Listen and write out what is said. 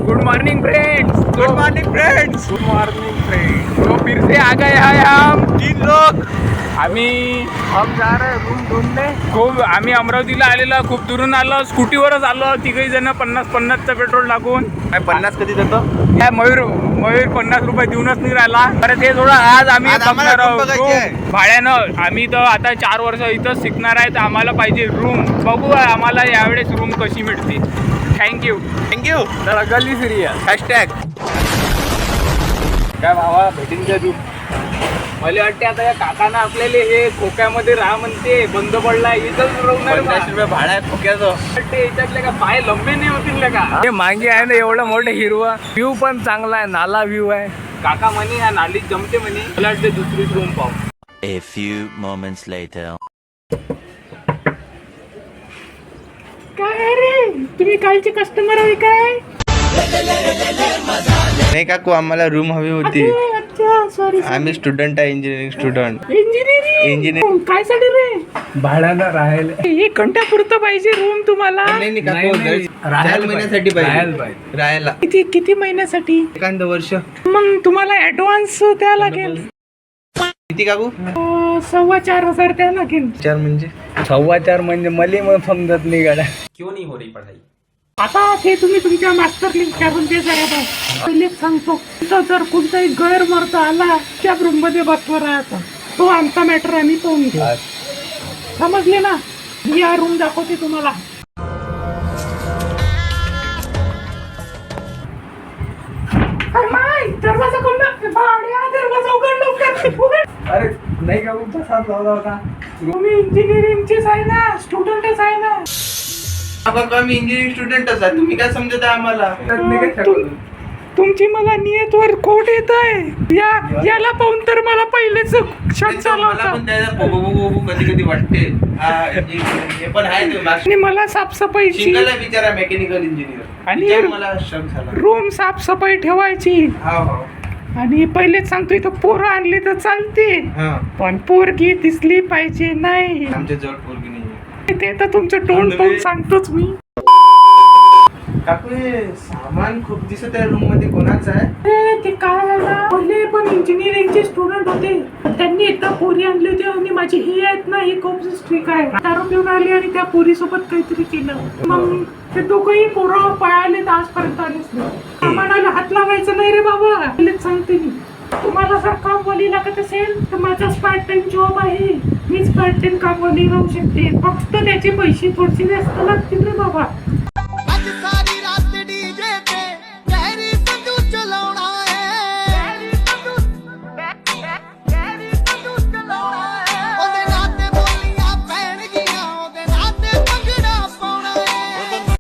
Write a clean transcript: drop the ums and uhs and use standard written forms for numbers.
Good morning friends, good morning friends. Good morning friends. तो फिर से आ गए हैं हम 3 लोग। हम जा रहे हैं रूम ढूंढने। आम्ही अमरावतीला आलेलो, खूप दुरून आलो, स्कूटीवरच आलो तिघही जण, 50-50चं पेट्रोल टाकून. 50 कधी देतो? काय मयूर 50 रुपये देऊनच नाही राहिला. बरं ते थोडं आज आम्ही आम्हाला बघणार room बघायची आहे. room. भाड्यानं. आम्ही तर आता 4 वर्ष इथंच शिकणार आहे, तर आम्हाला पाहिजे रूम. बघू आम्हाला यावेळेस रूम कशी मिळते. थँक्यू. तर गल्ली सिरियस हॅशटॅग काय भावा भेटीन का तू? मला वाटते आता या काकांना आपल्याला हे खोक्यामध्ये राहा म्हणते, बंद पडलाय इथंच राहणार. 50 रुपये भाडा आहे खोक्याचं. वाटते याच्यातले का पाय लंबे नाही होतील का? हे मागे आहे ना एवढं मोठं हिरवा व्ह्यू पण चांगला आहे, नाला व्ह्यू आहे. काका म्हणे या नालीत जमते म्हणे. मला वाटते दुसरीच रूम पाहू. A few moments later. काय रे तुम्ही कालचे कस्टमर आहे काय? नाही काकू, आम्हाला रूम हवी होती. अच्छा सॉरी. आम्ही स्टुडंट आहे, इंजिनिअरिंग स्टुडंट. इंजिनिअरिंग काय साठी रे? भाड्यानं राहायला एक घंट्यापुरतं पाहिजे रूम तुम्हाला? नाही काकू, नाही. 4 महिन्यासाठी राहायला पाहिजे. राहायला किती महिन्यासाठी? एखादं वर्ष. मग तुम्हाला ऍडव्हान्स द्या लागेल. किती काकू? 4,500 द्या लागेल. 4 म्हणजे 4.25 म्हणजे मला मग समजत नाही गाड्या. आता ते तुम्ही तुमच्या मास्टरला विचारून ते जरा बघ. पहिलेच सांगतो, तिथं जर कोणताही गैरमर्द आला त्या रूम मध्ये बसवर राहायचा. तो आमचा मॅटर आम्ही पाहून घेऊ. समजले ना? मी हा रूम दाखवते तुम्हाला. दरवाजा दरवाजा उघड. अरे नाही का तसाच लावला होता. तुम्ही इंजिनिअरिंगचेच आहे ना, स्टुडंटच आहे ना? आम्ही इंजिनिअरिंग स्टुडंटच आहे. तुम्ही काय समजत आहे आम्हाला? तुमची मला नियतवर खोट येत आहे. याला पाहून तर मला पहिलेच शक झाला मला होता. पण त्याला कधी वाटते. हे पण आहे ते आणि मला साफसफाईची शिंगल आहे बिचारा, मेकॅनिकल इंजिनियर. आणि आणि मला शक झाला. रूम साफसफाई ठेवायची. हा. आणि पहिलेच सांगतो, इथं पोरं आणली तर चालते, हा. पण पोरगी दिसली पाहिजे नाही. आमच्या जवळ पोरगी नाही. ते तर तुमचं तोंड पाहून सांगतोच मी. काकू, हे सामान खूप दिसत आहे रूम मध्ये. कोणाचं आहे? ते काय आहे ना, पहिले पण इंजिनिअरिंगचे स्टुडंट होते. त्यांनी एकदा पोरी आणली होती आणि माझी ही आहेत ना, ही खूप स्ट्रिक आहे. दारू पिऊन आली आणि त्या पोरी सोबत काहीतरी केलं. मग ते दोघंही पोरं पळाले तर आजपर्यंत आलेच नाही. सामानाला हात लावायचं नाही रे बाबा, पहिलेच सांगते मी. तुम्हाला जर कामवाली लागत असेल तर माझा पार्ट टाइम जॉब आहे. मीच पार्ट टाइम कामवाली राहू शकते. फक्त त्याचे पैसे थोडेसे जास्त लागतील रे बाबा.